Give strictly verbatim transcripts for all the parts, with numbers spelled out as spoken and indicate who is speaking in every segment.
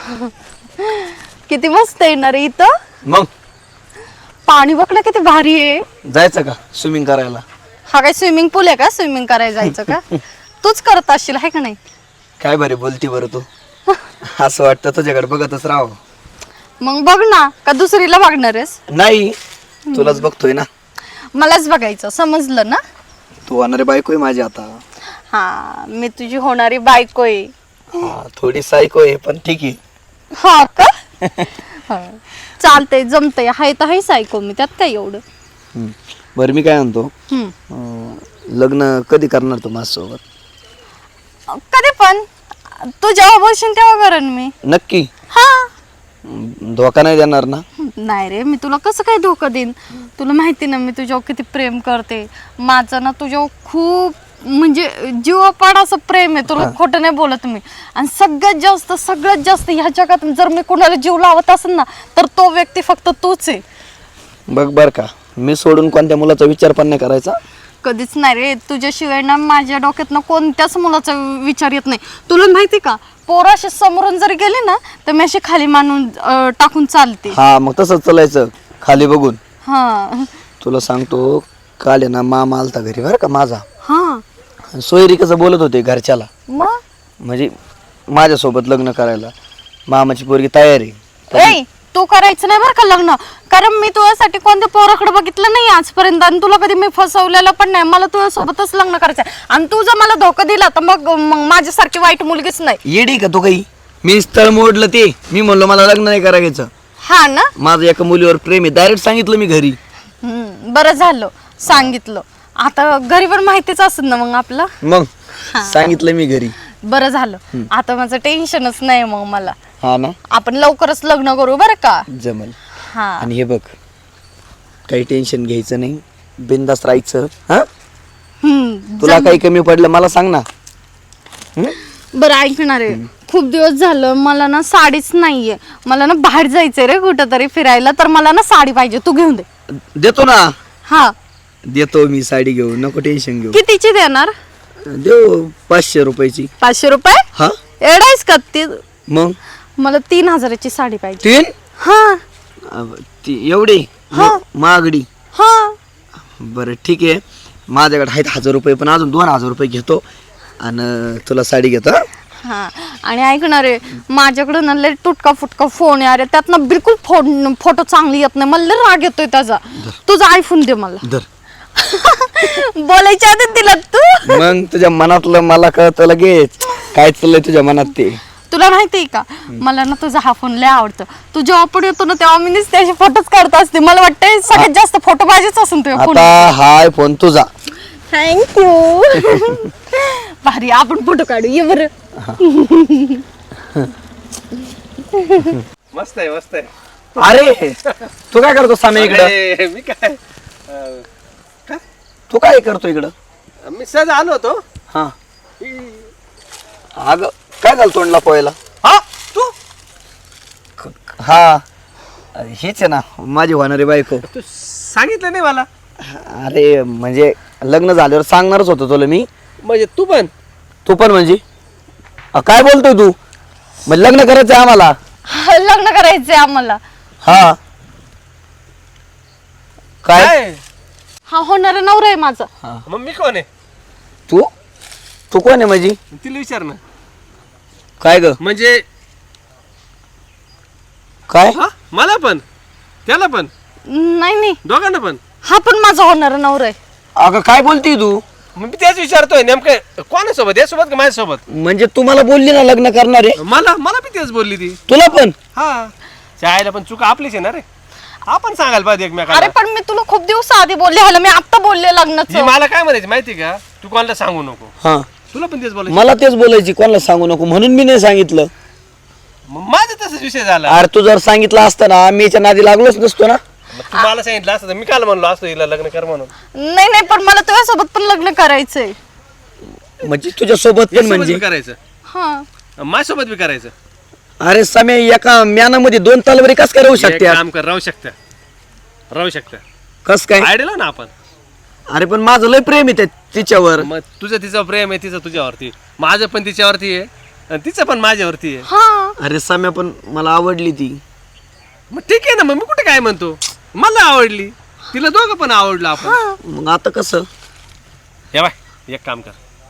Speaker 1: किती मस्त येणार आहे इथं.
Speaker 2: मग
Speaker 1: पाणी बघ ना किती भारी आहे.
Speaker 2: जायचं का स्विमिंग करायला?
Speaker 1: हा काय स्विमिंग पूल आहे का स्विमिंग करायला जायचं का? तूच करत असशील आहे का नाही?
Speaker 2: काय बरे बोलती बरं तू. असं वाटतं तुझ्याकडे बघतच राहावं.
Speaker 1: मग बघ ना, का दुसरीला बघणार आहेस?
Speaker 2: नाही, तुलाच बघतोय ना.
Speaker 1: मलाच बघायचं, समजलं ना?
Speaker 2: तू होणारी बायको आहे माझी आता.
Speaker 1: हा, मी तुझी होणारी बायको आहे.
Speaker 2: हा, थोडी सायको आहे पण ठीक आहे.
Speaker 1: हा का? हा. चालतंय, जमतंय. हाय तर हाय सायको मी, त्यात काय एवढं.
Speaker 2: हम्म. बरं मी काय म्हणतो,
Speaker 1: हम्म.
Speaker 2: अं, लग्न कधी करणार तू माझ्यासोबत?
Speaker 1: कधी पण तू जेव्हा बोलशील तेव्हा करेन मी.
Speaker 2: नक्की?
Speaker 1: हा.
Speaker 2: हम्म, धोका नाही देणार ना?
Speaker 1: नाही रे, मी तुला कसं काय धोका देईन? तुला माहिती ना मी तुझ्यावर किती प्रेम करते. माझं ना तुझ्यावर खूप म्हणजे जीवापाड असं प्रेम आहे. तुला खोटं नाही बोलत मी. आणि सगळ्यात जास्त सगळ्यात जास्त ह्या जगात जर मी कोणाला जीव लावत असेल ना, तर तो व्यक्ती फक्त तूच आहे.
Speaker 2: बघ बर का, मी सोडून कोणत्या मुलाचा विचार पण नाही करायचा.
Speaker 1: कधीच नाही रे. तुझ्याशिवाय ना माझ्या डोक्यात ना कोणत्याच मुलाचा विचार येत नाही. तुला माहिती का, पोराशी समोरून जर गेले ना तर मी अशी खाली मानून अं, टाकून चालते.
Speaker 2: हा, मग तसंच चालायचं खाली बघून.
Speaker 1: हा
Speaker 2: तुला सांगतो, काल आहे ना मामा आलता घरी बरं का माझा.
Speaker 1: हा.
Speaker 2: सोयरी कसं बोलत होते घरच्याला,
Speaker 1: मग
Speaker 2: म्हणजे माझ्यासोबत लग्न करायला. मामाची पोरगी तयार आहे.
Speaker 1: ए, तू करायचं नाही बरं का लग्न. कारण मी तुझ्यासाठी कोणत्या पोराकडे बघितलं नाही आजपर्यंत. आणि तुला कधी मी फसवलेलं पण नाही. मला तुझ्यासोबतच लग्न करायचं. आणि तू जर मला धोका दिला तर मग मग माझ्यासारखी वाईट मुलगीच नाही.
Speaker 2: येडी का तू काही? मी स्थळ मोडलं ते. मी म्हणलो मला लग्न नाही करायचं.
Speaker 1: हा ना.
Speaker 2: माझं एका मुलीवर प्रेम आहे, डायरेक्ट सांगितलं मी घरी.
Speaker 1: हम्म, बरं झालं सांगितलं. आता घरी पण माहितीच असेल ना मग आपलं.
Speaker 2: मग सांगितलं मी घरी.
Speaker 1: बरं झालं. आता माझं टेन्शनच नाही मग मला.
Speaker 2: हा ना,
Speaker 1: आपण लवकरच लग्न करू बरं का.
Speaker 2: जमल.
Speaker 1: हा.
Speaker 2: आणि हे बघ, काही टेन्शन घ्यायचं नाही, बिंदास राहायचं. हा,
Speaker 1: हम्म.
Speaker 2: तुला काही कमी पडलं मला सांग ना. हम्म?
Speaker 1: बरं ऐकणार आहे, खूप दिवस झालं मला ना साडीच नाहीये. मला ना बाहेर जायचंय रे कुठं तरी फिरायला. तर मला ना साडी पाहिजे, तू घेऊन दे.
Speaker 2: देतो ना.
Speaker 1: हा.
Speaker 2: देतो मी साडी घेऊन, नको टेन्शन घेऊ.
Speaker 1: कितीची देणार?
Speaker 2: देऊ पाचशे रुपयाची.
Speaker 1: पाचशे रुपये?
Speaker 2: हा,
Speaker 1: एवढाच का? ती
Speaker 2: मग
Speaker 1: मला तीन हजाराची साडी पाहिजे.
Speaker 2: तीन?
Speaker 1: हा
Speaker 2: अब, ती एवढी
Speaker 1: हा.
Speaker 2: महागडी?
Speaker 1: हा.
Speaker 2: बरं ठीक आहे, माझ्याकडे आहेत हजार रुपये, पण अजून दोन हजार रुपये घेतो आणि तुला साडी घेतो. हा?
Speaker 1: हा. आणि ऐकणार आहे, माझ्याकडे ना लय तुटका फुटका फोन आहे. अरे त्यात ना बिलकुल फोन फोटो चांगली येत नाही. मला लय राग येतोय त्याचा. तुझा आयफोन दे मला.
Speaker 2: धर.
Speaker 1: बोलायच्या आधी दिला तू.
Speaker 2: मग तुझ्या मनातलं मला कळतं लगेच काय चाललंय तुझ्या मनात ते.
Speaker 1: तुला माहितीये का, मला ना तुझा हा फोन लय आवडतो. तू जेव्हा पण येतो ना तेव्हा मी त्याचे फोटोच काढत असते. मला वाटतं सगळ्यात जास्त फोटो पाहिजेच असून तुझ्या फोन.
Speaker 2: आता हाय फोन तुझा.
Speaker 1: थँक्यू. भारी, आपण फोटो काढू. ये बरं.
Speaker 3: मस्त आहे मस्त आहे.
Speaker 2: अरे तू काय करतो सामे इकडं?
Speaker 3: अरे, मी काय अं,
Speaker 2: तू काय करतो इकडं?
Speaker 3: मी सहज आलो होतो.
Speaker 2: हा, अग काय झालं तोंडला पोहायला?
Speaker 3: हा तू
Speaker 2: हा, हेच आहे ना माझी होणारी बायको.
Speaker 3: तू सांगितलं नाही मला.
Speaker 2: अरे म्हणजे लग्न झाल्यावर सांगणारच होतो तुला मी.
Speaker 3: म्हणजे तू पण
Speaker 2: तू पण म्हणजे अ, काय बोलतोय तू? म्हणजे लग्न करायचंय आम्हाला?
Speaker 1: हा, लग्न करायचंय आम्हाला.
Speaker 2: हा, काय?
Speaker 3: काय
Speaker 1: हा होणारा नवरा आहे माझा.
Speaker 3: मग मी कोण आहे?
Speaker 2: तू तू कोण आहे म्हणजे?
Speaker 3: तिला विचार ना.
Speaker 2: काय ग?
Speaker 3: म्हणजे
Speaker 2: काय?
Speaker 3: हा मला पण त्याला पण
Speaker 1: नाही नाही,
Speaker 3: दोघांना पण.
Speaker 1: हा पण माझा होणारा नवरा आहे.
Speaker 2: अगं काय बोलती तू?
Speaker 3: मग मी त्याच विचारतोय नेमकं कोणासोबत, यासोबत का माझ्यासोबत?
Speaker 2: म्हणजे तू मला बोलली ना लग्न करणार आहे?
Speaker 3: मला मला बी तेच बोलली ती.
Speaker 2: तुला पण?
Speaker 3: हा, चायला पण चूक आपलीच आहे ना रे. आपण सांगायला पाहिजे
Speaker 1: अरे
Speaker 3: एकमेकाला.
Speaker 1: पण मी तुला खूप दिवस आधी बोलले. ह्याला मी आता बोलले
Speaker 3: ही
Speaker 1: लग्नाचं.
Speaker 3: मला काय म्हणायची माहिती का, तू कोणाला सांगू नको.
Speaker 2: हा,
Speaker 3: तुला पण तेच बोलायचं.
Speaker 2: मला तेच बोलायची, कोणाला सांगू नको म्हणून मी नाही सांगितलं.
Speaker 3: मग माझा तसाच विषय झाला.
Speaker 2: अरे तू जर सांगितलं असतं ना मी याच्या नादी लागलोच नसतो ना.
Speaker 3: मग तू मला सांगितलं असतं तर मी काल म्हणलो असतो हिला लग्न कर म्हणून.
Speaker 1: नाही नाही, पण मला तुझ्यासोबत पण लग्न करायचंय.
Speaker 2: म्हणजे तुझ्या सोबत पण
Speaker 3: यासोबत
Speaker 2: म्हणजे?
Speaker 3: बी करायचं,
Speaker 1: हा.
Speaker 3: माझ्यासोबत बी करायचं.
Speaker 2: अरे समय एका म्यानामध्ये दोन तलवारी कस काय राहू
Speaker 3: एक
Speaker 2: शकते?
Speaker 3: काम कर, राहू शकता राहू शकता
Speaker 2: कस काय?
Speaker 3: आयडिया ना आपण.
Speaker 2: अरे पण माझं लय प्रेम आहे त्या- तिच्यावर.
Speaker 3: मग तुझं तिचं प्रेम आहे, तिचं तुझ्यावरती, माझं पण तिच्यावरती आहे. आणि तिचं पण माझ्यावरती आहे.
Speaker 1: हा
Speaker 2: अरे सम्या पण मला आवडली ती.
Speaker 3: मग ठीक आहे ना, मग मी कुठे काय म्हणतो, मला आवडली, तिला दोघं पण आवडलं आपण.
Speaker 2: मग आता कसं?
Speaker 3: हे बाय एक काम कर,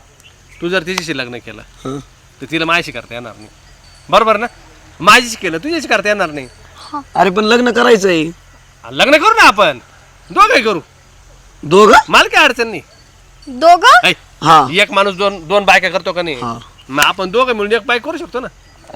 Speaker 3: तू जर तिच्याशी लग्न केलं
Speaker 2: हं.
Speaker 3: तर तिला माझ्याशी करता येणार नाही, बरोबर ना? माझ्याशी केलं तुझ्याशी करता येणार नाही.
Speaker 2: अरे पण लग्न करायचंय.
Speaker 3: लग्न करू ना आपण, दोघंही करू,
Speaker 2: दोघं?
Speaker 3: मला काय अडचण नाही.
Speaker 1: दोघं
Speaker 3: ऐ,
Speaker 2: हा
Speaker 3: एक माणूस दोन दोन बायका करतो का नाही?
Speaker 2: हा.
Speaker 3: मग आपण दोघं मिळून एक बाईक करू शकतो ना.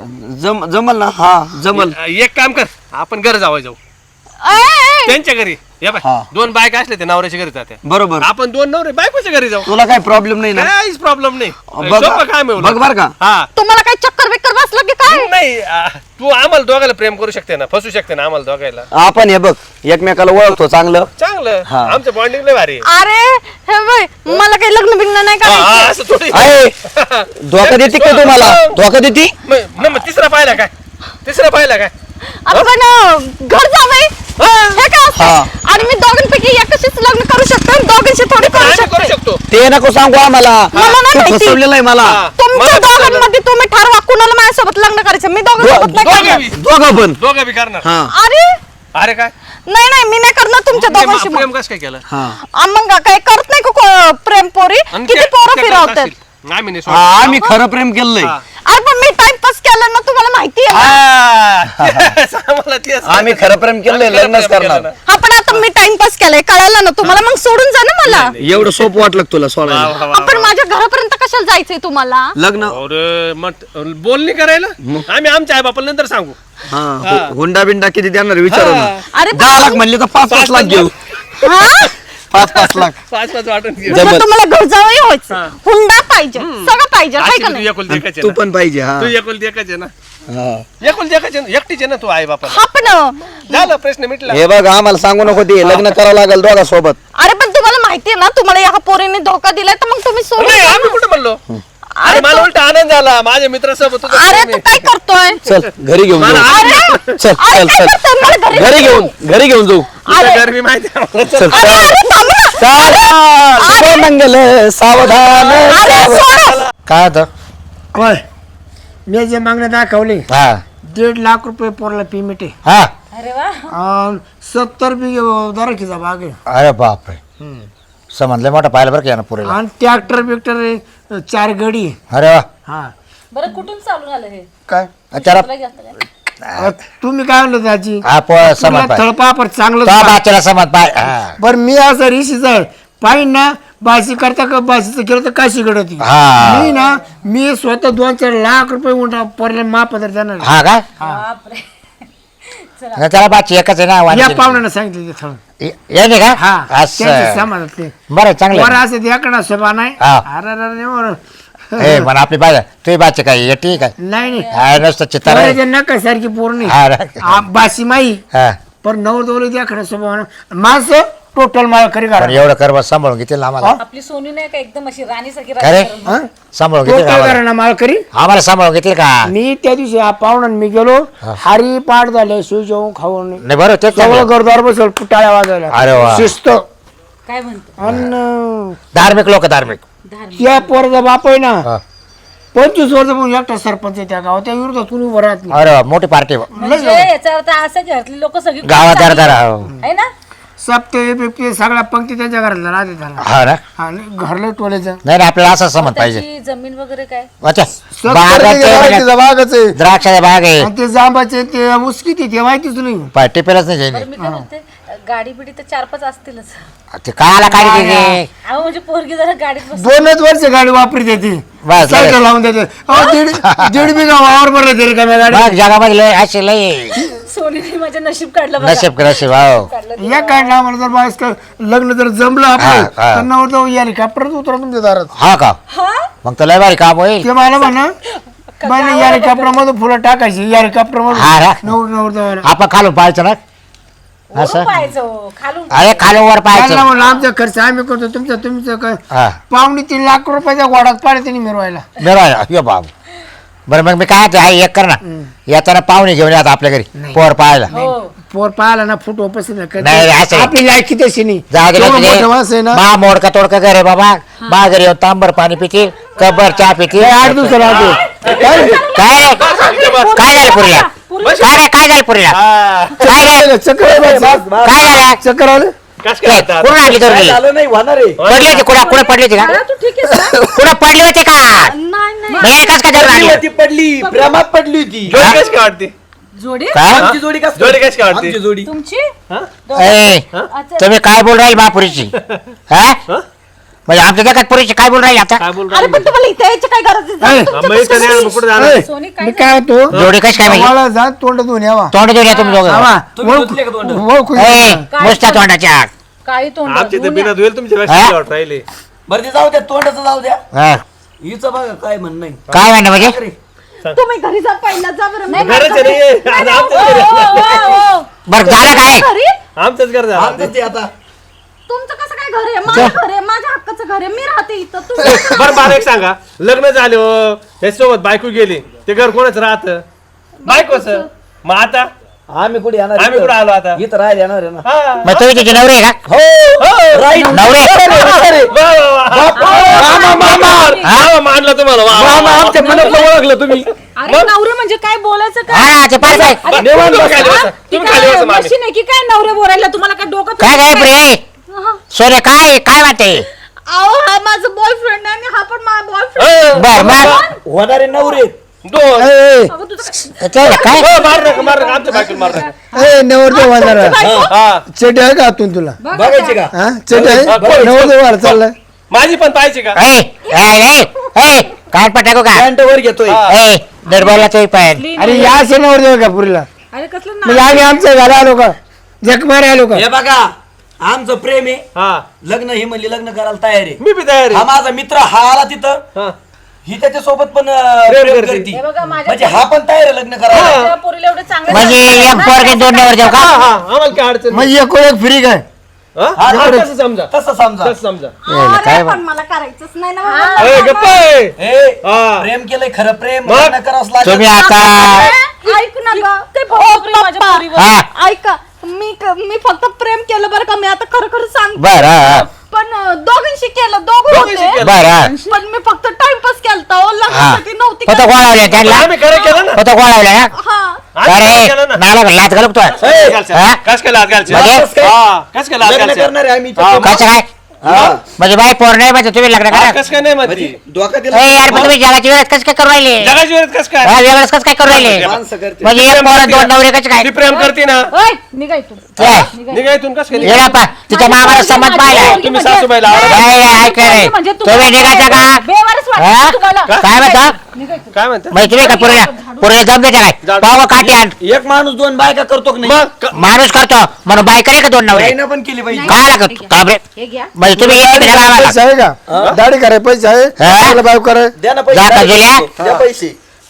Speaker 2: जम जमल ना? हा जमल.
Speaker 3: ए- एक काम कर, आपण घर जावं जाऊ
Speaker 1: ए, ए,
Speaker 3: त्यांच्या घरी. या बाय
Speaker 2: हा.
Speaker 3: दोन बायका असले ते नवऱ्याच्या घरी जाते,
Speaker 2: बरोबर.
Speaker 3: आपण दोन नवरे बायकोच्या घरी जाऊ,
Speaker 2: तुला काही प्रॉब्लेम नाही ना?
Speaker 3: काहीच प्रॉब्लेम नाही.
Speaker 2: बघ
Speaker 3: सोपं काय मिळवलं.
Speaker 2: बघ बर का?
Speaker 3: हा
Speaker 1: तुम्हाला काही चक्कर बिक्कर बसलं की काय?
Speaker 3: नाही आ, तू आम्हाला दोघायला प्रेम करू शकते ना, फसू शकते ना आम्हाला दोघायला.
Speaker 2: आपण हे बघ एकमेकाला ओळखतो चांगलं.
Speaker 3: चांगलं,
Speaker 2: हा.
Speaker 3: आमचं बॉन्डिंग लय भारी आहे.
Speaker 1: अरे हे बाई मला काही लग्न बिग्न नाही
Speaker 3: हा, हा,
Speaker 1: करायचं.
Speaker 3: असं थोडी.
Speaker 2: आहे धोका देते का तुम्हाला? धोका देते?
Speaker 3: मग मग तिसरा पाहिला काय, तिसरा पाहिला काय?
Speaker 1: आपण अं, घर जावं हे काय असतं?
Speaker 2: हा.
Speaker 1: आणि मी दोघांपैकी एकाशीच लग्न करू शकतो आणि दोघांशी थोडी करू
Speaker 3: आम्ही करू
Speaker 1: शकतो.
Speaker 3: शकतो.
Speaker 2: ते नको सांगू आम्हाला.
Speaker 1: मला नाही
Speaker 2: तू
Speaker 1: माहिती.
Speaker 2: फसवलेलं आहे मला.
Speaker 3: हा.
Speaker 1: तुमच्या
Speaker 3: मला फसवलं.
Speaker 1: दोघांमध्ये तुम्ही ठरवा कुणाला माझ्यासोबत लग्न करायचं. मी दोघांसोबत नाही
Speaker 3: दोघं
Speaker 1: करणार.
Speaker 3: बी.
Speaker 2: दोघं पण.
Speaker 3: दोघं बी करणार.
Speaker 2: हा
Speaker 1: अरे
Speaker 3: अरे काय
Speaker 1: नाही नाही मी नाही करणार तुमच्या
Speaker 3: मग
Speaker 1: दोघांशी मग.
Speaker 3: प्रेम कसं काय केलं?
Speaker 2: हा
Speaker 1: आ, मग काय करत नाही का को- प्रेम पोरी
Speaker 3: आणि
Speaker 1: किती
Speaker 3: ते-
Speaker 1: पोरं
Speaker 3: ते करत
Speaker 1: फिरवतात.
Speaker 3: असतील. आम्ही नाही
Speaker 2: हा,
Speaker 3: सोडणार.
Speaker 2: आम्ही खरं प्रेम केलंय.
Speaker 3: हा.
Speaker 1: अरे पण मी टाइमपास केला ना तुम्हाला माहिती आहे ना.
Speaker 3: हा. आम्हाला तेच.
Speaker 2: आम्ही खरं प्रेम केलंय,
Speaker 3: आम्ही खरं
Speaker 2: लग्नच
Speaker 3: प्रेम
Speaker 2: करणार.
Speaker 3: केलं ना.
Speaker 1: हा पण आता मी टाइमपास केलाय कळालं ना तुम्हाला. मग सोडून जा ना मला.
Speaker 2: एवढं सोपं वाटलं का तुला
Speaker 3: वा,
Speaker 2: सोडायला?
Speaker 3: वा, वा,
Speaker 1: आपण
Speaker 3: वा.
Speaker 1: माझ्या घरापर्यंत कशाला जायचंय तुम्हाला?
Speaker 2: लग्न
Speaker 3: अरे मग बोलणी करायला आम्ही आमच्या आई बापाला नंतर सांगू.
Speaker 2: हा हु- हुंडा बिंडा किती देणार विचारू ना.
Speaker 1: अरे
Speaker 2: दहा लाख म्हणले तर पाच पाच लाख घेऊ.
Speaker 1: हा
Speaker 2: पाच पाच लाख.
Speaker 3: पाच पाच वाटून घे.
Speaker 1: म्हणजे
Speaker 2: जबरदस्त.
Speaker 1: तुम्हाला घर जावं
Speaker 3: हा.
Speaker 1: व्हायचं. हुंडा पाहिजे सगळं पाहिजे हाय
Speaker 3: अशी
Speaker 1: का
Speaker 3: तू
Speaker 1: नाही?
Speaker 3: एकुलती एकच आहे
Speaker 2: तू
Speaker 3: ना.
Speaker 2: पण पाहिजे. हा
Speaker 3: तू एकुलती एकच आहे ना.
Speaker 2: हा.
Speaker 3: एकुलती एकच आहे ना. एकटीच आहे ना तू आई बापाला.
Speaker 1: हा पण
Speaker 3: झालं प्रश्न मिटला.
Speaker 2: हे बघ आम्हाला सांगू नको ते लग्न करावं लागेल दोघा सोबत.
Speaker 1: अरे पण तुम्हाला माहितीये ना तुम्हाला या पोरीने धोका दिलाय तर मग तुम्ही सोडून
Speaker 3: नाही
Speaker 1: जा
Speaker 3: आम्ही
Speaker 1: ना.
Speaker 3: कुठे म्हणलो.
Speaker 1: अरे
Speaker 3: अरे मला
Speaker 1: तू-
Speaker 3: उलट आनंद झाला माझ्या मित्रासोबत तुझं
Speaker 1: अरे
Speaker 3: प्रेम
Speaker 1: तू
Speaker 3: आहे.
Speaker 1: काय करतोय?
Speaker 2: चल घरी घेऊन
Speaker 3: मला
Speaker 2: जाऊ.
Speaker 1: अरे
Speaker 3: आनंद-
Speaker 2: चल
Speaker 1: अरे
Speaker 2: चल
Speaker 1: काय
Speaker 2: चल
Speaker 1: करतोय? मला घरी
Speaker 2: घरी घेऊन घरी घेऊन जाऊ.
Speaker 3: तुझं घर मी माहिती आहे मला.
Speaker 2: चल
Speaker 1: अरे अरे थांब ना.
Speaker 2: सावधान मंगल सावधान
Speaker 1: अरे
Speaker 2: सावधान.
Speaker 1: सोड.
Speaker 4: काय होतं?
Speaker 5: होय मी जे मागण्या दाखवले
Speaker 4: हा
Speaker 5: दीड लाख रुपये पोरला पेमेंट आहे.
Speaker 4: हा
Speaker 5: अन् सत्तर बिघे दराखीचा भाग आहे.
Speaker 4: अरे बापरे समजले मोठा पाहिलं बरं का यानं पुरेला.
Speaker 5: आणि ट्रॅक्टर बिक्टर चार गडी आहे.
Speaker 4: अरे वा
Speaker 5: हा
Speaker 6: बरं कुठून चालून आलं हे
Speaker 4: काय त्याला
Speaker 6: तुला घेतलं काय?
Speaker 5: अ, तुम्ही काय म्हणलं त्याची
Speaker 4: हा पो समज पाय
Speaker 5: थळपापर चांगलं
Speaker 4: तो बाच्याला समज पाय हा
Speaker 5: बरं मी असं ऋषीच आहे पाहिजे ना बाशी करता का बाशीचं केलं तर काशी घडत
Speaker 4: हा.
Speaker 5: मी ना मी स्वतः दोन चार लाख रुपये उंटा पोरला महापदर देणार आहे.
Speaker 4: हा का
Speaker 6: बापरे
Speaker 4: नाही, त्याला बाची एकच आहे ना
Speaker 5: या
Speaker 4: वाणी.
Speaker 5: पाहुण्यानं सांगितलं ते थळ
Speaker 4: ये- याने का
Speaker 5: हा त्यांच्या
Speaker 4: असं
Speaker 5: समाजातले
Speaker 4: बरं चांगलं
Speaker 5: वर
Speaker 4: आहे.
Speaker 5: असं याकडा शोभा नाही
Speaker 4: हा.
Speaker 5: अरे अरे अरे, वर.
Speaker 4: ए पण आपली बाय तुझी बाची काय ये ठीक आहे
Speaker 5: नाही नाही
Speaker 4: हा नसतं चित्तर आहे.
Speaker 5: पोराच्या नका सारखी पोर नाही
Speaker 4: हा रे.
Speaker 5: आ, बाशी माई
Speaker 4: हा
Speaker 5: पण नऊ दौले द्या खरं स्वभाव माणसं टोटल मला खरी
Speaker 4: पण
Speaker 5: करा
Speaker 4: एवढं कर बस सांभाळून घेतील ना आम्हाला
Speaker 6: आपली सोनी नाही का एकदम अशी राणीसारखी
Speaker 4: काय रे
Speaker 6: राणी
Speaker 4: सांभाळून घेतील का
Speaker 5: टोटल
Speaker 4: आम्हाला?
Speaker 5: करा ना मला खरी
Speaker 4: आम्हाला सांभाळून घेतील का
Speaker 5: मी त्या दिवशी हा पाहुणा मी गेलो हारी पाठ झाले शिव जेवून खाऊन
Speaker 4: नाही बरं तेच
Speaker 5: सगळं
Speaker 4: चांगलं.
Speaker 5: गरदार बसल टाळ्या वाजायला
Speaker 4: अरे वा.
Speaker 5: शिस्त
Speaker 6: काय म्हणतो
Speaker 5: आणि
Speaker 4: धार्मिक लोक धार्मिक
Speaker 5: त्या पोरचा बाप आहे ना
Speaker 4: हा.
Speaker 5: पंचवीस वर्ष पण एकटा सरपंच आहे त्या गावात त्या विरोधात कुणी उभं राहत नाही
Speaker 4: अरे वा, मोठी पार्टी
Speaker 6: म्हणजे याचा अर्थ असा की घरातली लोक सगळी
Speaker 4: गावात
Speaker 6: चांगली
Speaker 4: दार
Speaker 6: आहे ना
Speaker 5: सप्ते बिप्ते सगळ्या पंक्ती त्यांच्या घरातल्या राहते त्याला
Speaker 4: हा ना
Speaker 5: आणि घरलं टोलेचं
Speaker 4: नाही नाही, आपल्याला असं समज पाहिजे
Speaker 6: त्याची जमीन वगैरे काय
Speaker 4: अच्छा
Speaker 5: सत्तर
Speaker 4: बागाचे
Speaker 5: बिघे राहते, बागच आहे
Speaker 4: द्राक्षाच्या बाग आहे
Speaker 5: आणि ते जांबाचे ते उस्की ते ते माहितीच नाही
Speaker 4: पार्टी पेलाच नाही
Speaker 6: बरं
Speaker 4: जाईल
Speaker 6: मी काय म्हणते गाडी बिडी तर चार पाच असतीलच
Speaker 4: ते काला काढी दिली
Speaker 6: अहो म्हणजे पोरगी जरा गाडीत बस
Speaker 5: दोनच वर्ष गाडी वापरते ती
Speaker 4: बस,
Speaker 5: सायकल
Speaker 4: बस.
Speaker 5: लावून देते अहो, दीड दीड बिघा वावर भरला तरी का गाडी
Speaker 4: बघ जगामध्ये लय असे लय
Speaker 6: सोनीने माझं नशीब काढलं बघा.
Speaker 4: नशीब का नशीब हो
Speaker 6: काढलं
Speaker 5: या काय आम्हाला जर बायस का लग्न जर जमलं आपलं
Speaker 4: हा, हा.
Speaker 5: तर नवर जाऊ या हेलिकॉप्टरच उतरा तुमच्या दारात
Speaker 4: हा का
Speaker 6: हा
Speaker 4: मग तर लय भारी काम होईल
Speaker 5: ते मला म्हणा बाई या हेलिकॉप्टर मधून फुलं टाकायची या हेलिकॉप्टर
Speaker 4: हा
Speaker 5: मधून
Speaker 4: रा.
Speaker 5: नवर नवर जाऊ
Speaker 4: आपण खालून पाहायचं ना
Speaker 6: वरून
Speaker 4: असं
Speaker 6: पाहायचं हो, खालून
Speaker 4: अरे खालून वर पाहायचं
Speaker 5: म्हणलं आमचा खर्च आम्ही करतो तुमचा तुमचं काय
Speaker 4: हा
Speaker 5: पावणे तीन लाख रुपयाच्या गोडात पाडे त्यांनी मिरवायला
Speaker 4: बरं यो बाब बरं मग मी काय ते आहे एक कर ना येताना पाहुणे घेऊन येतात आपल्या घरी पोर पाहायला
Speaker 6: हो
Speaker 5: पोर पाहिला ना फुट उपस्थित
Speaker 4: नाही, असं नाही.
Speaker 5: आपली लायकी तशी नाही
Speaker 4: जाऊ दे
Speaker 5: तेवढं
Speaker 4: तुझे.
Speaker 5: मोठं माणसं आहे ना
Speaker 4: मा मोडका तोडका घर आहे बाबा मा घरी येऊन तांबर पाणी पितील कबर चहा पितील
Speaker 5: आठ दिवसाला आलो
Speaker 4: काय काय झालं पुरीला काय काय काय झालं पुरीला
Speaker 3: हा.
Speaker 4: काय झालं
Speaker 5: चक्कर आहे बाईचं.
Speaker 4: काय झालं
Speaker 5: चक्कर आलं
Speaker 3: कस काय आता?
Speaker 4: कुठून आणली
Speaker 2: काय
Speaker 4: दोन
Speaker 2: झालं नाही होणार आहे
Speaker 4: पडली होती कुणा कुणा पडली होती का
Speaker 6: बाळा, तू ठीक आहेस ना?
Speaker 4: कुणा पडली होती का
Speaker 1: नाही नाही
Speaker 4: मग एकच का धरून
Speaker 2: पडली
Speaker 4: आणली
Speaker 2: होती पडली प्रेमात पडली होती
Speaker 3: जोडी कशी काय वाटते
Speaker 6: जोडी
Speaker 4: काय
Speaker 2: आमची जोडी कस
Speaker 3: जोडी कशी काय वाटते?
Speaker 2: आमची जोडी
Speaker 6: तुमची
Speaker 4: ए,
Speaker 6: अच्छा,
Speaker 4: तुम्ही काय बोल राहील महापुरीची हा
Speaker 3: हा?
Speaker 4: म्हणजे आमच्या जगात पुरीची काय बोल राहील आता
Speaker 3: काय बोल
Speaker 1: अरे पण तुम्हाला इथे यायची काय गरज आहे?
Speaker 5: ए,
Speaker 3: हा, मग इथं नाही आलं, मग कुठं जाणार?
Speaker 5: ए,
Speaker 6: सोनी काय
Speaker 5: मी काय होतो
Speaker 4: जोडी कशी काय म्हणजे
Speaker 5: मला जा तोंड धुवून यावा
Speaker 4: तोंड देऊन या तुम्ही दोघं
Speaker 5: आवा,
Speaker 2: तुम्ही
Speaker 5: ओळखू-
Speaker 2: धुतले का तोंड?
Speaker 5: ओळखू
Speaker 4: ए,
Speaker 5: नका.
Speaker 4: मुसत्या तोंडाच्या
Speaker 6: काही तोंड
Speaker 3: आमची तर
Speaker 6: धुवून
Speaker 3: बिना
Speaker 6: या.
Speaker 3: धुवेल तुमच्या
Speaker 4: हा?
Speaker 3: पेक्षा वाट राहिले
Speaker 2: बरं ते जाऊ द्या तोंडाचं जाऊ द्या
Speaker 4: हा.
Speaker 2: हिचं बघा काय म्हणणं आहे.
Speaker 4: काय म्हणणं म्हणजे
Speaker 2: अरे,
Speaker 1: तुम्ही घरी जा पहिला जा बरं. नाही,
Speaker 3: घरच आहे रे. आता आमचंच
Speaker 6: ओ,
Speaker 3: घर आहे.
Speaker 6: ओ, ओ, ओ.
Speaker 4: बरं झालं काय
Speaker 1: घरी
Speaker 3: आमचंच घर झालं.
Speaker 2: आमचं ते आता
Speaker 1: तुमचं कसं काय घर आहे? माझं घर आहे, माझ्या हक्काचं घर आहे. मी राहते इथं. तुम्ही
Speaker 3: बरं मला एक सांगा लग्न झाले हो त्याच्यासोबत बायको गेली ते घर कोणाच राहत बायकोच मग आता
Speaker 2: आम्ही कुठे येणार
Speaker 3: आम्ही कुठे आलो आता
Speaker 2: इथं राहायला येणार आहे ना
Speaker 3: हा.
Speaker 4: मग तुम्ही तिचे नवरे आहे का
Speaker 2: हो राईट
Speaker 4: नवरे
Speaker 3: वा, वा, वा. मामा, मामा. मामा मानलं तुम्हाला वा, वा, वा.
Speaker 2: आमच्या मनातलं ओळखलं तुम्ही
Speaker 6: अरे नवरे म्हणजे काय बोलायचं काय
Speaker 4: हा ते पाय काय
Speaker 3: बरं, तुम्ही खाली बसा.
Speaker 6: ती
Speaker 3: तुम्ही खाली
Speaker 6: काय
Speaker 3: बसा, मामी.
Speaker 6: मशीन आहे की काय नवरे बोलायला तुम्हाला काय डोकं
Speaker 4: काय काय पुरे सोने काय काय वाटते
Speaker 1: अहो हा माझा बॉयफ्रेंड आहे आणि हा पण माझा बॉयफ्रेंड.
Speaker 3: ए,
Speaker 4: बर मग
Speaker 2: होणारे नवरे
Speaker 3: दोन
Speaker 5: ए,
Speaker 4: ते काय
Speaker 3: हो, मार नका मार नका आमच्या बायकोला मार नका
Speaker 5: ए, नवरदेव वाजणार
Speaker 3: हा
Speaker 5: चेटी आहे का आतून तुला
Speaker 2: बघायचे का
Speaker 5: हा चेटी आहे
Speaker 3: हा, बोल.
Speaker 5: नवरदेव वाढ चाललाय
Speaker 3: माझी पण पाहिजे का
Speaker 4: ए ए ए काय पटाको का
Speaker 2: पॅन्ट वर घेतोय
Speaker 3: हा.
Speaker 4: ए दरबारला तो पाय
Speaker 5: अरे या असे नवरदेव का पुरीला
Speaker 6: अरे कसलं ना
Speaker 5: म्हणजे आम्ही आमच्या घरा आलो का जग मारे आलो का
Speaker 2: हे बघा आमचं प्रेम आहे
Speaker 3: हा
Speaker 2: लग्न ही म्हणली लग्न करायला तयार आहे
Speaker 3: मी बी तयार
Speaker 2: हा
Speaker 3: आहे
Speaker 2: माझा मित्र हा आला तिथं
Speaker 3: हा.
Speaker 2: ही त्याच्या सोबत पण अं,
Speaker 3: प्रेम
Speaker 2: प्रेम
Speaker 3: करते.
Speaker 2: करती
Speaker 6: हे बघा, माझ्या-
Speaker 2: म्हणजे हा पण तयार आहे लग्न करायला
Speaker 6: माझ्या पोरीला एवढे चांगले
Speaker 4: म्हणजे एक पोरगे दोन नवर देऊ
Speaker 3: हा
Speaker 4: का
Speaker 3: हा आम्हाला काय अडचण नाही.
Speaker 5: मग एक एक फ्री काय
Speaker 3: हा?
Speaker 2: हा,
Speaker 3: हा,
Speaker 2: इकडे.
Speaker 3: तसं समजा
Speaker 2: तसं समजा
Speaker 3: तसं समजा
Speaker 1: अरे
Speaker 4: काय
Speaker 1: पण मला करायचंच नाही ना
Speaker 6: हा.
Speaker 1: बाबा.
Speaker 3: ए, गप्प आहे.
Speaker 2: ए,
Speaker 3: हा.
Speaker 2: प्रेम केलंय खरं प्रेम
Speaker 3: मग?
Speaker 2: लग्न करावंच
Speaker 4: तुम्ही
Speaker 2: लागेल
Speaker 4: आता
Speaker 1: ऐक ना ग
Speaker 6: ते
Speaker 1: ओ,
Speaker 6: पोरी माझ्या
Speaker 1: पप्पा.
Speaker 6: पोरीवर.
Speaker 4: हा
Speaker 1: ऐका मी क- मी फक्त प्रेम केलं बरं का मी आता खरं खरं सांगते
Speaker 4: बर हा हा.
Speaker 1: पण अं, दोघींशी केलं दोघं
Speaker 3: दोघींशी
Speaker 1: होते
Speaker 3: केलं.
Speaker 4: बर हा
Speaker 1: पण मी फक्त टाइमपास केलता ओ, लग्नासाठी नव्हती
Speaker 4: फक्त
Speaker 1: करत.
Speaker 4: गोळावल्या त्यांना
Speaker 3: आम्ही खरं केलं ना
Speaker 4: फक्त गोळावल्या ना
Speaker 1: हा
Speaker 3: आम्ही खरं
Speaker 4: अरे
Speaker 3: केलं ना
Speaker 4: नाला लाच घालतो तो
Speaker 3: ए, घालच्या.
Speaker 4: हा?
Speaker 3: कस केलं आज घालच्या?
Speaker 4: म्हणजे?
Speaker 3: हा, कस केलं आज
Speaker 2: लग्न
Speaker 3: घालच्या?
Speaker 2: करणार आहे आम्ही
Speaker 3: हा,
Speaker 4: कसं काय
Speaker 2: हा.
Speaker 4: म्हणजे बाई पोर नाही म्हणजे तुम्ही लग्न
Speaker 3: हा,
Speaker 4: करा
Speaker 3: कस काय नाही म्हणती
Speaker 2: धोका
Speaker 4: ए
Speaker 2: दिला
Speaker 4: यार पण तुम्ही जगाची वेळेस कसं काय करू राहिले
Speaker 3: जगाची वेळ कस काय
Speaker 4: हा, वेगळंच कसं काय करू राहिले
Speaker 2: माणसं करते
Speaker 4: म्हणजे एक पोर दोन नवरे कसं काय
Speaker 3: ती प्रेम करते ना
Speaker 6: ओय, निघा इथून
Speaker 4: ए,
Speaker 3: निघा इथून कस काय
Speaker 4: येडा पा तिच्या मामाला संमत पाहिला
Speaker 3: तुम्ही सासूबाईला आवडत
Speaker 4: नाही नाही, ऐक रे
Speaker 6: म्हणजे
Speaker 4: तुम्ही निघायचा का
Speaker 6: बेवारस
Speaker 4: हा?
Speaker 6: वाटतं तुम्हाला
Speaker 4: काय म्हणता
Speaker 6: निघा इथून.
Speaker 3: काय म्हणते
Speaker 4: म्हणजे तुम्ही का पुरीला पुरीला जम देते काय
Speaker 3: जाऊ.
Speaker 4: पाव काठी आण
Speaker 2: एक माणूस दोन बायका करतो की नाही
Speaker 3: मग क-
Speaker 4: माणूस करतो म्हणून बाई करे का दोन नवरे
Speaker 2: बाईनं पण केली पाहिजे
Speaker 4: काय लागत का बरे
Speaker 6: हे घ्या
Speaker 4: म्हणजे तुम्ही एक मिनिट आम्हाला
Speaker 5: पैसे आहे का दाढी कराय पैसे आहे
Speaker 4: हा?
Speaker 5: आपलं बायको कराय
Speaker 2: द्या ना
Speaker 4: जा का जुल्या?
Speaker 2: पैसे द्या पैसे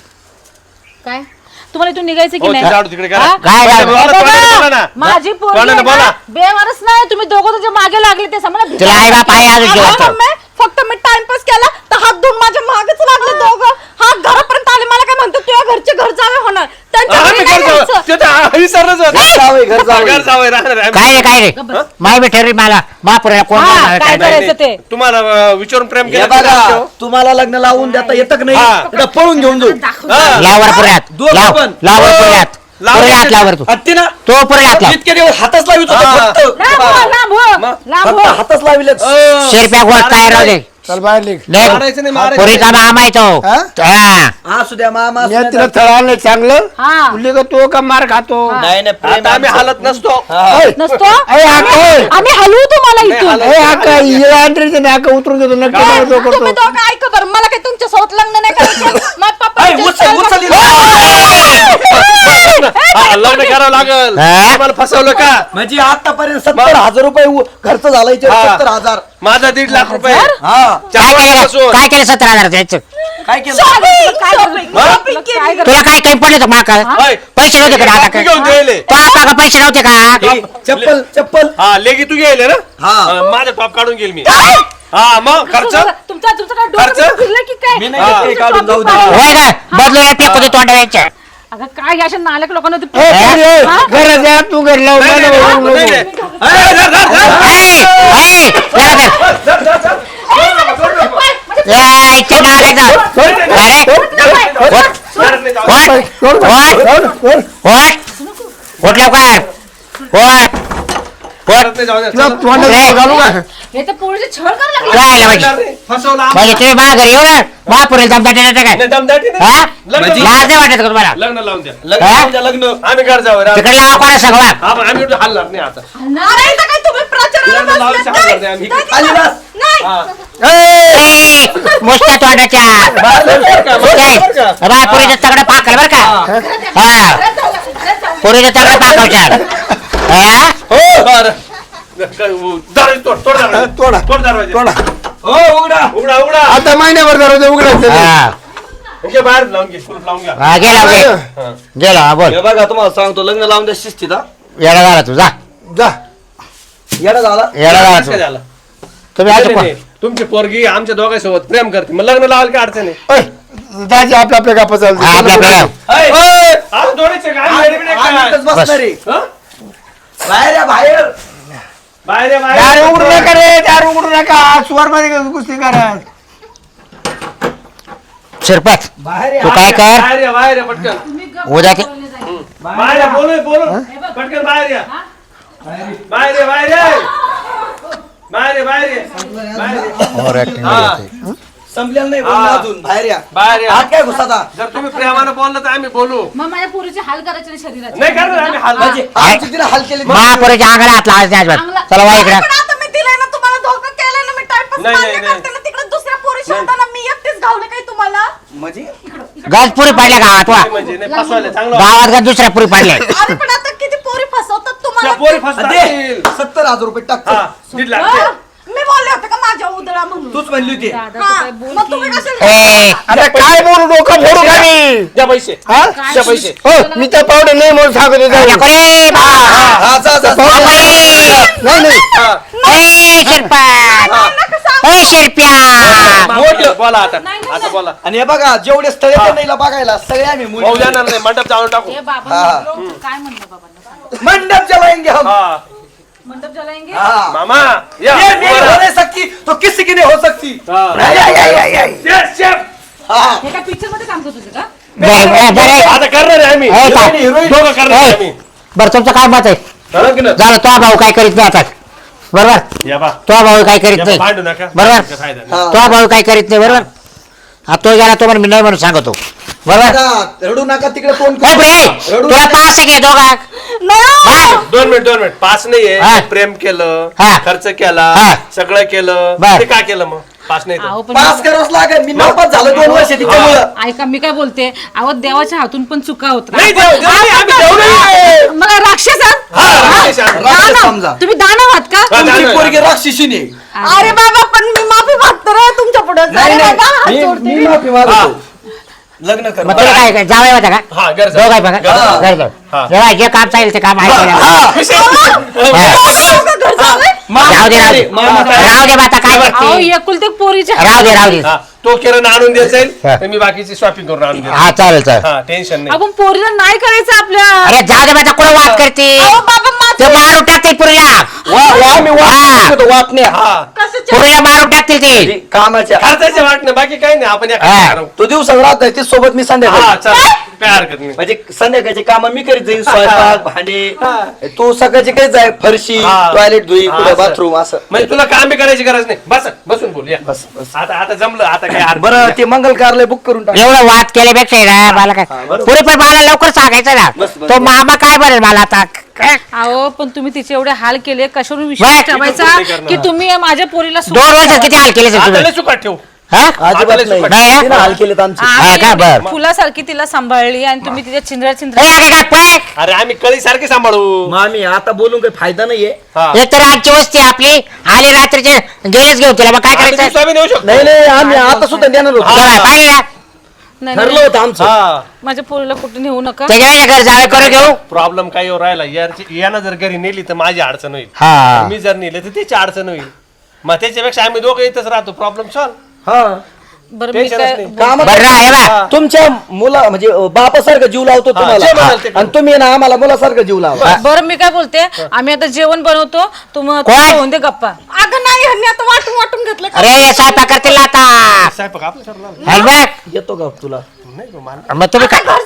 Speaker 6: काय तुम्हाला इथून निघायचं की
Speaker 3: हो,
Speaker 6: नाही
Speaker 3: ते झाडू तिकडे करा.
Speaker 6: हा?
Speaker 4: काय
Speaker 3: बोला,
Speaker 4: झाडू?
Speaker 3: बोला, तोंडाने बोला ना.
Speaker 6: माझी पोरगी
Speaker 3: तोंडाने
Speaker 6: आहे
Speaker 3: बोला.
Speaker 6: ना, बेवारस नाही तुम्ही दोघं तुझ्या मागे लागले ते समजा
Speaker 4: तुला आई बाप आहे अजून
Speaker 1: अगं
Speaker 4: जेवतो
Speaker 1: मम्मी, फक्त मी टाइमपास केला तर हात धुवून माझ्या मागच लागले दोघं हा घरापर्यंत आले मला काय म्हणतो तुझ्या घरचे घर जावे होणार त्यांच्या
Speaker 3: हा,
Speaker 1: घरी
Speaker 3: मी
Speaker 1: नाही
Speaker 3: घर जावं.
Speaker 1: जायचं.
Speaker 3: ते तर आ- विसरलंच होतं.
Speaker 2: घर जावई, घर जावई.
Speaker 3: घर जावई राहणार आहे.
Speaker 4: काय रे काय रे माय बी ठरली मला महापुरीला कोण
Speaker 6: हा,
Speaker 4: बोलणार,
Speaker 6: काय
Speaker 4: काय नाही.
Speaker 6: करायचं ते
Speaker 3: तुम्हाला अं, विचारून प्रेम
Speaker 2: हे
Speaker 3: केलं
Speaker 2: बघा तुम्हाला लग्न लावून देता येतं की
Speaker 3: हा.
Speaker 2: नाही इथं पळून घेऊन जाऊ
Speaker 3: हा.
Speaker 4: लावर पुऱ्यात
Speaker 2: दोघं
Speaker 4: लाव
Speaker 2: पण.
Speaker 4: लावर पुऱ्यात
Speaker 3: लाव.
Speaker 4: पुऱ्यात लावर तू
Speaker 2: हत्ती ना
Speaker 4: तो पुऱ्यात लाव
Speaker 2: इतके दिवस हातच लावित होता
Speaker 3: हा.
Speaker 2: फक्त
Speaker 6: लांब हो, लांब हो,
Speaker 3: मग?
Speaker 6: लांब
Speaker 2: फक्त
Speaker 6: हो.
Speaker 2: हातच लाविले
Speaker 3: अं,
Speaker 4: शेरप्या गोळ काय राहू दे
Speaker 5: चल बाहेर निघ
Speaker 3: मारायचं नाही, मारायचं
Speaker 4: पुरीचा मामा आहे तो
Speaker 5: हा?
Speaker 4: हा
Speaker 2: असू द्या मामा असू
Speaker 5: मी
Speaker 2: द्या.
Speaker 5: तिला थळालं चांगलं
Speaker 6: हा
Speaker 5: तुला का तो का मार खातो
Speaker 2: नाही नाही प्रेम
Speaker 3: आता आम्ही
Speaker 2: आमचं.
Speaker 3: हालत नसतो
Speaker 2: हा.
Speaker 5: ऐ,
Speaker 6: नसतो
Speaker 5: ऐ, आका, ऐ.
Speaker 6: आम्ही हलवू तुम्हाला
Speaker 3: नाही,
Speaker 6: इथून
Speaker 3: हालत.
Speaker 5: ए आका हिला अंतरीचे नाका उतरून देतो नक्की
Speaker 3: काय?
Speaker 5: नवरदेव
Speaker 1: तुम्ही
Speaker 5: करतो
Speaker 1: दोघं ऐका बरं मला काही तुमच्या सोबत लग्न नाही करायचं माझ्या पप्पा
Speaker 2: ऐ, उचल उचल हिला.
Speaker 3: हा, लग्न करावं लागल
Speaker 4: हा?
Speaker 3: आम्हाला फसवलं का
Speaker 2: म्हणजे आतापर्यंत सत्तर हजार रुपये उ- खर्च झाला इथे
Speaker 3: हा.
Speaker 2: सत्तर हजार
Speaker 3: माझा दीड लाख रुपये
Speaker 2: हा
Speaker 4: काय
Speaker 3: चार
Speaker 4: केलं
Speaker 3: वर्षापासून.
Speaker 4: काय केलं सतरा हजार द्यायचं
Speaker 2: काय केलं
Speaker 6: काय
Speaker 1: शॉपिंग
Speaker 3: हा?
Speaker 1: शॉपिंग केली
Speaker 4: तुला काय काही पडलं होतं माका
Speaker 3: होय.
Speaker 4: पैसे नव्हते का आता
Speaker 3: कॉपी घेऊन दिले
Speaker 4: तो आपा का पैसे नव्हते का
Speaker 2: हे, चप्पल चप्पल
Speaker 3: हा लेगी तू गेले ना
Speaker 2: हा.
Speaker 3: हा, माझा टॉप काढून गेल मी हा मग खर्च
Speaker 6: तुमचा तुमचं काय डोकं
Speaker 3: खर्च?
Speaker 6: फिरलं की काय
Speaker 2: मी नाही
Speaker 3: हा.
Speaker 2: घेतले, काढून जाऊ दे
Speaker 4: होय का बदलून फेकू दे तोंडाच्या
Speaker 6: अगं काय या अशा नालक लोकांना ते-
Speaker 5: ए, पोरी, ए,
Speaker 6: हा?
Speaker 5: घरात जा तू घर लाव
Speaker 3: नाही,
Speaker 5: मला
Speaker 3: नाही,
Speaker 5: ओरडू
Speaker 3: नाही,
Speaker 5: नको.
Speaker 3: नाही. ए, धर, धर, धर.
Speaker 4: ए, ए, जरा धर.
Speaker 3: धर, धर, धर.
Speaker 4: ए, इथे नालायक जा. अरे ओट ओट लवकर ओट
Speaker 3: परत नाही जाऊ द्या.
Speaker 5: तुला तोंडात घालू का?
Speaker 6: हे तर पोरीचे छळ करायला लागले.
Speaker 4: काय
Speaker 3: नाही,
Speaker 4: म्हणजे
Speaker 3: नाही, फसवलं आम्हाला.
Speaker 4: म्हणजे तुम्ही माझ्या घरी येऊ ना महापुरेल दमदाटी देता काय
Speaker 3: नाही, दमदाटी नाही.
Speaker 4: हा
Speaker 3: लग्न
Speaker 2: म्हणजे-
Speaker 4: लाज नाही वाटत का तुम्हाला
Speaker 3: लग्न लावून द्या.
Speaker 2: लग्न
Speaker 4: हा?
Speaker 2: लावून द्या, लग्न
Speaker 3: आम्ही घर जाऊ रे.
Speaker 4: तिकडे लावा कोणा सांगवा
Speaker 3: आपण- आम्ही एवढं हलणार नाही आता.
Speaker 1: अरे इथं काय तुम्ही प्रचाराला
Speaker 3: लग्न लावून
Speaker 1: बसलात?
Speaker 3: सांगणार नाही आम्ही.
Speaker 2: खाली बस.
Speaker 1: नाही
Speaker 3: हा.
Speaker 4: मुस्ता तोंडाच्या
Speaker 3: बरं का, बरं का?
Speaker 4: पुरीचं तगडं पाकल बर का हा पुरीचं तगडं पाकवच्या हा
Speaker 3: हो बरं. दरवाजा तोड, तोड दरवाजा.
Speaker 5: तोडा.
Speaker 3: तोड दरवाजा.
Speaker 5: तोडा.
Speaker 2: हो उघडा.
Speaker 3: उघडा उघडा.
Speaker 5: आता महिन्याभर दरवाजा उघडायचं
Speaker 4: हा
Speaker 3: घे बाहेर लावून घे, कुलूप लावून घ्या.
Speaker 4: हा गेला गे
Speaker 3: हा.
Speaker 4: गेला हा बोल
Speaker 2: हे बघा तुम्हाला सांगतो लग्न लावून द्या शिस्तीत हा.
Speaker 4: येडा झाला तू जा
Speaker 5: जा
Speaker 2: येडा झाला.
Speaker 4: येडा झाला
Speaker 3: कसं काय
Speaker 4: तू
Speaker 3: झालं?
Speaker 4: तुम्ही
Speaker 3: नाही,
Speaker 4: आता
Speaker 3: नाही, नाही. तुमची पोरगी आमच्या दोघांसोबत प्रेम करते मग लग्न लावायला काय अडचण आहे?
Speaker 5: ओय, दाजी आपल्या आपल्या गप्पा चालतो
Speaker 4: हा, आपल्या आपल्या
Speaker 2: ऐ,
Speaker 3: ओय, आज दोन्हीचे काय?
Speaker 2: आम्ही-
Speaker 3: वेडे बिडे
Speaker 2: आम्ही
Speaker 3: काय?
Speaker 2: इथंच बसणार आहे.
Speaker 3: हं?
Speaker 2: बाहेर या बाहेर.
Speaker 3: बाहेर आहे, बाहेर
Speaker 5: दार
Speaker 3: आहे.
Speaker 5: उघडू नका रे दार उघडू नका सुवार मध्ये कुस्ती करा
Speaker 4: शिरपत
Speaker 2: बाहेर या.
Speaker 4: तू काय कर
Speaker 3: बाहेर या, बाहेर या, पटकन
Speaker 4: उद्या ते
Speaker 3: बाहेर या, बोलू बोलू पटकन बाहेर या बाहेर या बाहेर या बाहेर या बाहेर या बाहेर या.
Speaker 4: ओव्हर ऍक्टिंग
Speaker 3: हा.
Speaker 2: संपलेलं नाही
Speaker 3: हा.
Speaker 2: बोलणं अजून. बाहेर या.
Speaker 3: बाहेर या.
Speaker 2: आत काय घुसाता?
Speaker 3: जर तुम्ही प्रेमानं बोललं तर आम्ही बोलू
Speaker 6: मग माझ्या पोरीचे हाल करायचे नाही शरीराचे.
Speaker 3: नाही करणार आम्ही हाल
Speaker 2: म्हणजे आमची तिला हाल केली.
Speaker 4: महापुरेच्या अंगाला हात लावायचा नाही अजिबात चला वा इकडे
Speaker 1: पण आता मी दिलाय ना तुम्हाला धोका केलाय ना मी टाइमपास
Speaker 3: नाही, नाही,
Speaker 1: मान्य
Speaker 3: नाही.
Speaker 1: करते ना तिकडे दुसऱ्या पोरी शोधताना मी एकटीच घावले काय तुम्हाला
Speaker 2: म्हणजे
Speaker 4: गजपुरी पाडल्या गावात वा
Speaker 3: म्हणजे नाही फसवायला चांगलं
Speaker 4: गावात गज दुसऱ्या पुरी पाडल्या
Speaker 1: अरे पण आता किती पोरी फसवतात
Speaker 3: त्या
Speaker 1: तुम्हाला
Speaker 3: पोरी
Speaker 2: दे.
Speaker 3: फसतात
Speaker 2: सत्तर हजार रुपये टाक.
Speaker 3: हा दीड लाख
Speaker 1: हा?
Speaker 3: दे.
Speaker 1: मी बोलले होते का माझ्या उदळा म्हणून
Speaker 2: तूच म्हणली होती.
Speaker 1: हा, मग तुम्ही कशाला
Speaker 4: ए
Speaker 5: आता काय बोलू डोकं फोडू का मी
Speaker 3: द्या पैसे
Speaker 5: हा
Speaker 3: द्या पैसे
Speaker 5: हो मी त्या पावडे नाही म्हणून सांगत होतो.
Speaker 4: नको रे बा.
Speaker 2: हा जा जा, जा.
Speaker 4: नको रे.
Speaker 5: नाही नाही
Speaker 3: हा.
Speaker 4: ए शिरपत ए शिरप्या
Speaker 3: मोठं बोला आता आता बोला
Speaker 2: आणि हे बघा जेवढे स्थळ येते ना हिला बघायला सगळे आम्ही मुली.
Speaker 3: भाऊ जाणार नाही मंडप जाऊन टाकू
Speaker 6: हे बाबा
Speaker 2: हा.
Speaker 6: काय म्हणलं बाबांना सांग.
Speaker 2: मंडप जलाएंगे हम.
Speaker 3: हा
Speaker 6: मंडप जलाएंगे.
Speaker 2: हाँ.
Speaker 3: मामा या
Speaker 2: ये नहीं
Speaker 3: वर.
Speaker 2: हो नहीं सकती तो किसी की नहीं हो सकती.
Speaker 3: हा.
Speaker 2: आई, आई, आई, आई, आई.
Speaker 3: Chef, chef.
Speaker 2: हाँ.
Speaker 6: हे काय पिक्चर मध्ये काम करत होते का?
Speaker 4: बरं बरं
Speaker 3: आता करणार आहे आम्ही
Speaker 4: ए, काय?
Speaker 3: दोघं करणार आहे आम्ही
Speaker 4: बरं तुमचं काय मत आहे
Speaker 3: झालं की नाही?
Speaker 4: झालं तो भाऊ काय करीत नाही आता बरोबर
Speaker 3: या बा
Speaker 4: तो भाऊ काय करीत
Speaker 3: या बा,
Speaker 4: नाही
Speaker 3: भांडू नका
Speaker 4: बरोबर.
Speaker 3: काय फायदा नाही.
Speaker 2: हाँ.
Speaker 4: तो भाऊ काय करीत नाही बरोबर हा तो गेला तो म्हणून मी नाही म्हणून सांगतो बरोबर
Speaker 2: नका, रडू नका तिकडे तोंड
Speaker 4: ए,
Speaker 2: करू.
Speaker 4: बरे,
Speaker 2: रडू
Speaker 4: तुला
Speaker 2: नका.
Speaker 4: पास आहे दोघा
Speaker 1: नाही
Speaker 3: दोन मिनिट दोन मिनिट पास
Speaker 4: हा.
Speaker 3: नाहीये प्रेम केलं
Speaker 4: हा.
Speaker 3: खर्च केला
Speaker 4: हा.
Speaker 3: सगळं केलं
Speaker 4: बर.
Speaker 3: ते काय केलं मग पास नाही तर.
Speaker 6: अहो पण
Speaker 2: पास करावंच लागेल मी नापास झालो दोन वर्ष तिच्यामुळं.
Speaker 6: ऐका मी काय बोलते अहो देवाच्या हातून पण चुका होत
Speaker 3: नाही देव देव नाही, आम्ही देव नाही.
Speaker 6: मला राक्षस आहात?
Speaker 3: हा, राक्षस आहात.
Speaker 2: राक्षस
Speaker 6: दानव.
Speaker 2: समजा.
Speaker 6: तुम्ही दानव आहात का
Speaker 3: हा,
Speaker 2: तुमची
Speaker 3: दानव आहे.
Speaker 2: पोरगी राक्षसीने.
Speaker 1: अरे बाबा पण मी माफी मागतो रे तुमच्या पुढे
Speaker 2: नाही
Speaker 1: बाबा हात
Speaker 2: नाही
Speaker 1: जोडते
Speaker 2: मी-
Speaker 1: मी.
Speaker 2: मी माफी
Speaker 3: हा.
Speaker 2: मागतो. लग्न कर
Speaker 4: मग तुला काय काय जावं होता का
Speaker 3: हा घर
Speaker 4: दोघ आहे बघा
Speaker 3: घर
Speaker 2: हा.
Speaker 4: घर जाऊ.
Speaker 3: हा.
Speaker 4: जेव्हा जे काम चालेल ते काम आहे केलं.
Speaker 2: हा.
Speaker 4: राहू दे राहू दे
Speaker 2: मामा काय-
Speaker 4: राहू दे आता काय
Speaker 6: अहो
Speaker 4: करते
Speaker 6: एकुलते एक पोरीचे
Speaker 4: राहू दे राहू दे
Speaker 3: हा, तो किरण आणून देत जाईल
Speaker 4: हा.
Speaker 3: तर मी बाकीची शॉपिंग करून आणून देईल
Speaker 4: हा चालेल चालेल
Speaker 3: हा टेन्शन नाही
Speaker 6: आपण पोरीला नाही करायचं आपल्या
Speaker 4: अरे जाऊ दे माझा कुठं वाद करते
Speaker 1: अहो बाबा
Speaker 4: ते
Speaker 1: माझं
Speaker 4: मारून टाकतील पुरीला
Speaker 2: वा- वा- आम्ही वाट
Speaker 4: हा.
Speaker 2: नाही करतो, वाट नाही.
Speaker 3: हा
Speaker 1: कशाच्या
Speaker 4: पुरीला मारून टाकतील ते
Speaker 2: ते कामाच्या
Speaker 3: खर्चाचे वाटणं बाकी काही नाही आपण या
Speaker 4: हा.
Speaker 3: करू.
Speaker 2: तो दिवस राहत नाही ती सोबत मी
Speaker 3: हा
Speaker 2: संध्याकाळी
Speaker 3: चल काय हरकत नाही
Speaker 2: म्हणजे संध्याकाळचे काम मी करीत जाईन स्वयंपाक भांडे तू सकाळची काही जाय फरशी
Speaker 3: हा.
Speaker 2: टॉयलेट धुई
Speaker 3: हा,
Speaker 2: कुठं
Speaker 3: असं.
Speaker 2: बाथरूम असं
Speaker 3: म्हणजे तुला काम बी करायची गरज नाही बस बसून बोल या
Speaker 2: बस, बस.
Speaker 3: आता आता जमलं आता काय हरकत
Speaker 2: बरं
Speaker 3: नाही.
Speaker 2: ते मंगल कार्यालय बुक करून टाक
Speaker 4: एवढं वाद केल्यापेक्षा आहे ना मला काय
Speaker 2: हा, बरोबर.
Speaker 4: पुरी पण मला लवकर सांगायचं ना
Speaker 2: बस, बस,
Speaker 4: तो
Speaker 2: बस.
Speaker 4: मामा काय बरेल मला आता काय?
Speaker 6: अहो पण तुम्ही तिचे एवढे हाल केले कशावरून विश्वास
Speaker 4: बाय.
Speaker 6: ठेवायचा
Speaker 3: नाही करणार.
Speaker 6: की तुम्ही माझ्या पोरीला सोडून
Speaker 4: दोन वर्षात किती हाल केले
Speaker 3: आता
Speaker 4: तुम्ही
Speaker 3: लय चुकाट ठेव
Speaker 4: हा?
Speaker 2: अजिबात
Speaker 3: आता
Speaker 2: नाही
Speaker 4: नाही ना?
Speaker 2: तिनं हाल केलेत आमचे
Speaker 4: हा का?
Speaker 6: आम्ही
Speaker 4: बरं.
Speaker 6: फुलासारखी तिला सांभाळली आणि तुम्ही तिच्या चिंद्रा
Speaker 4: ए,
Speaker 6: चिंद्रा
Speaker 4: अगं, काय पळ.
Speaker 3: अरे आम्ही कळी सारखे सांभाळू
Speaker 2: मामी आता बोलून काही फायदा नाहीये
Speaker 3: हा.
Speaker 4: एक तर आजची वस्ती आपली आली रात्रीचे गेलेच घेऊ तिला मग काय
Speaker 3: आता
Speaker 4: करायचं
Speaker 3: दिवसा बी नेऊ शकतो
Speaker 2: नाही नाही आम्ही आता सुद्धा देणार होतो
Speaker 4: बरं, पाहिजे ना
Speaker 6: नाही,
Speaker 2: ठरलं
Speaker 6: नाही,
Speaker 2: होतं आमचं
Speaker 3: हा
Speaker 6: माझ्या पोरीला कुठे नेऊ नका
Speaker 4: त्याच्या घर जावे करून घेऊ
Speaker 3: प्रॉब्लेम काय येऊ राहिला यारची यानं जर घरी नेली तर माझी अडचण होईल
Speaker 4: हा
Speaker 3: मी जर नेले तर तिची अडचण होईल मग त्याच्यापेक्षा आम्ही दोघं इथंच राहतो प्रॉब्लेम सॉल्व
Speaker 2: हा
Speaker 6: बरं मी
Speaker 3: टेन्शनच
Speaker 6: काय
Speaker 3: नाही.
Speaker 2: काम
Speaker 4: बरं ना, हे बघ.
Speaker 2: तुमच्या मुला म्हणजे बापासारखं जीव लावतो
Speaker 3: हा, जे म्हणाल
Speaker 2: तुम्हाला
Speaker 3: ते
Speaker 2: आणि तुम्ही ना आम्हाला मुलासारखं जीव लावा
Speaker 6: बरं मी काय बोलते आम्ही आता जेवण बनवतो तुम
Speaker 4: कोण?
Speaker 6: होऊन दे गप्पा
Speaker 1: अगं नाही ह्यांनी आता वाटून वाटून घेतलं का?
Speaker 4: अरे स्वयंपाक करतील ना आता
Speaker 3: साहेब आपलं ठरलं
Speaker 4: हल बघ.
Speaker 2: येतो का तुला
Speaker 3: नाही गं, मला-
Speaker 4: मग तुम्ही
Speaker 1: आता
Speaker 4: काय
Speaker 1: घर जावं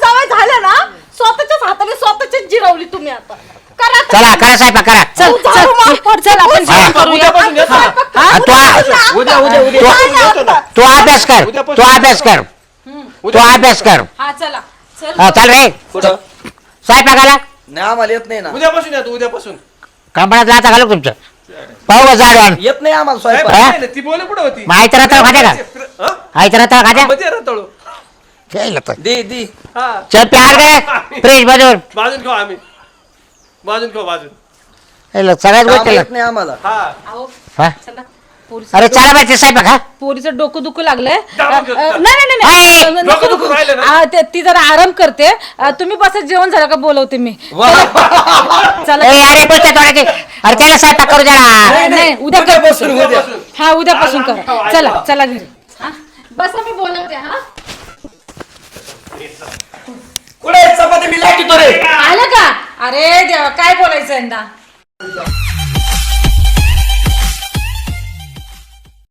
Speaker 1: झालं ना स्वतःच्याच हाताने स्वतःचीच जिरवली तुम्ही आता करा आता.
Speaker 4: चला करा स्वयंपाक करा
Speaker 6: चल चल चल आपण जेवण करूया
Speaker 3: उद्यापासून येतो ना.
Speaker 4: हा, तू आ-
Speaker 3: उद्या उद्या उद्यापासून येतो ना.
Speaker 4: तू अभ्यास कर तू अभ्यास कर तू अभ्यास कर
Speaker 6: हा चला चल
Speaker 4: हा, चल रे
Speaker 2: कुठं
Speaker 4: स्वयंपाकाला
Speaker 2: नाही आम्हाला येत नाही ना
Speaker 3: उद्यापासून येतो उद्यापासून
Speaker 4: कंपन्यात लाता घालू तुमचं पाहू का जाड वाण
Speaker 2: येत नाही आम्हाला
Speaker 3: साहेब,
Speaker 2: स्वयंपाक
Speaker 3: नाही, नाही, ती बोल कुठं होती
Speaker 4: माहिती राहता खात्या का
Speaker 3: हा?
Speaker 4: माहिती राहता खात्या
Speaker 3: मध्ये रताळू
Speaker 4: केलं तर
Speaker 2: दे दे
Speaker 3: हा
Speaker 4: चल प्यार काय फ्रेश मधून
Speaker 3: भाजून खाऊ आम्ही भाजून खाऊ भाजून
Speaker 4: केलं, सगळ्याच
Speaker 2: काम
Speaker 4: गोष्टी
Speaker 2: येत नाही आम्हाला
Speaker 3: हा
Speaker 6: अहो,
Speaker 4: हा
Speaker 6: चला पोरीचं
Speaker 4: अरे चला बाई ते स्वयंपाक हा
Speaker 6: पोरीचं डोकं दुखू लागलंय
Speaker 3: दाबून
Speaker 6: अ,
Speaker 3: घेतो.
Speaker 6: अ, नाही नाही नाही,
Speaker 4: हाय.
Speaker 6: नाही नको
Speaker 3: डोकं
Speaker 6: दुखू.
Speaker 3: दुखू राहिलं ना?
Speaker 6: आ, ते- ती जरा आराम करते अ, तुम्ही बस जेवण झालं का बोलवते मी चला
Speaker 4: ए, अरे बोलते थोड्याचे अरे त्याला स्वयंपाक करू द्या ना.
Speaker 6: नाही उद्या कर
Speaker 2: उद्यापासून उद्या
Speaker 3: उद्यापासून.
Speaker 6: हा उद्यापासून
Speaker 3: आज आम्ही
Speaker 6: करा
Speaker 3: खाऊ,
Speaker 6: चला
Speaker 3: आज
Speaker 6: चला घरी
Speaker 1: हा? बसा मी बोलवते हा
Speaker 2: कुठे चपाती मी लाटतो रे
Speaker 6: आलं का अरे देवा काय बोलायचं यंदा